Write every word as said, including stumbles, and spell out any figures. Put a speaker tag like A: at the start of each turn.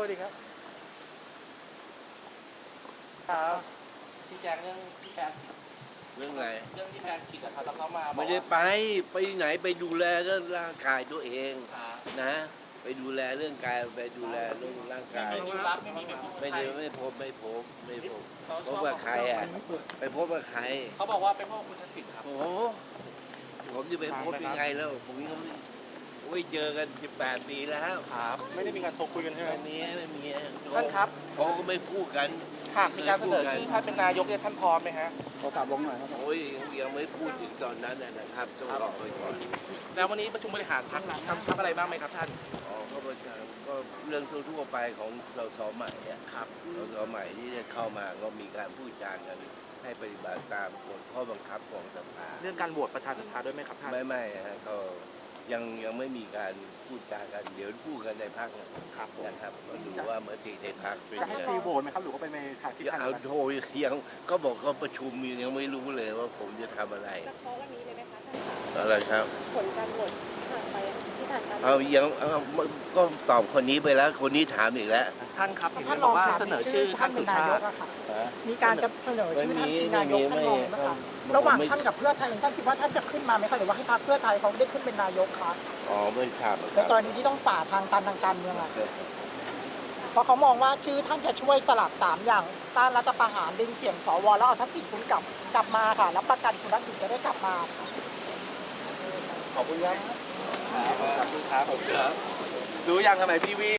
A: วัสดีครับ
B: ครับพี่แจ็คเรื่องพี่แจ็ค
C: เรื่องอะไร
B: เรื่องที่แพนคิดอะครับแล้วเขามาบอก
C: ไม่ได้ไปไปไหนไปดูแลเรื่องร่างกายตัวเอง
B: ว่า
C: นะ ไปดูแลเรื่องกายไปดูแลเรื่องร่าง
B: ไม่
C: กาย
B: มีดิวลับไม่มีไปพบ
C: ไม่
B: ใคร
C: ได้ไม่พบไม่พบไม่พบ
B: เขา
C: พ
B: ช
C: บ
B: อบ
C: กับใครอ่ะไปพบกับใคร
B: เขาบอกว่าไปพบคุณทักษิณครับ
C: โอ้โหผมจะไปพบยังไงแล้วผมยังไม่โอ้ยเจอกันสิบแปดปีแล้ว
B: ครับ
A: ไม่ได้มีการโทรคุยกันใช่ไหม
C: ไม่มีไม่มี
B: ท่านครับ
C: เขาก็ไม่พูดกัน
B: หากมีการเสนอชื่อท่านเป็นนายกเนี่ยท่านพร้อมไหมฮะ
A: ขอสามลงหน่อยครับ
C: โอ้ยยังไม่พูดถึงตอนนั้นนะครับต้องรอไปก่อน
B: แล้ววันนี้ประชุมบริหารพรรคกำชับอะไรบ้างไหมครับท่าน
C: อ๋อก็ประชาก็เรื่องทั่วๆไปของเราสอใหม่อะ
B: ครับ
C: เราสอใหม่ที่จะเข้ามาก็มีการพูดจากันให้ปฏิบัติตามกฎข้อบังคับของสภา
B: เรื่องการโหวตประธานสภาด้วยไหมครับท่าน
C: ไม่ไม่ฮะก็ยังยังไม่มีการพูดจากันเดี๋ยวพูดกันในพักนะครับ
B: ผม
C: นะครับก็ดูว่ามติในพักเป็น
A: จะให้
C: ยัง
A: ตี
C: ไง
A: โหวตไหมครับหรือว่าเป็นในทางที่
C: อย่า
A: ทาง
C: เอาโทรยังก็บอกก็ประชุมยังไม่รู้เลยว่าผมจะทำอะไร
D: จะเคาะวันนี้เลยไหมคะท่านคะ
C: อะไรครับ
D: ผลการโหวตผ่านไปที่ผ่านการ
C: เอายังเอาก็ตอบคนนี้ไปแล้วคนนี้ถามอีกแล้ว
B: ท่านครับเห็นบอกว่าเสนอชื่อท่านสุชาติ
E: มีการจะเสนอชื่อท่านชิงนายกท่านรองนะคะระหว่างท่านกับเพื่อไทยท่านคิดว่าท่านจะขึ้นมาไหมคะหรือว่าให้พรรคเพื่อไทยเขาได้ขึ้นเป็นนายกคะ
C: อ๋อไม่ทราบค
E: ใน
C: รับ
E: กรณีที่ต้องฝ่าทางตันทางการเมืองอะเพราะเขามองว่าชื่อท่านจะช่วยสลับสามอย่างต้านรัฐประหารดึงเสียงสวแล้วเอาทักษิณคุณกลับกลับมาค่ะแล้วประกันคุณทักษิณจะได้กลับมาค่ะ
B: ขอบคุณครับขอบคุณครับผมรู้ยังทำไมพี่วี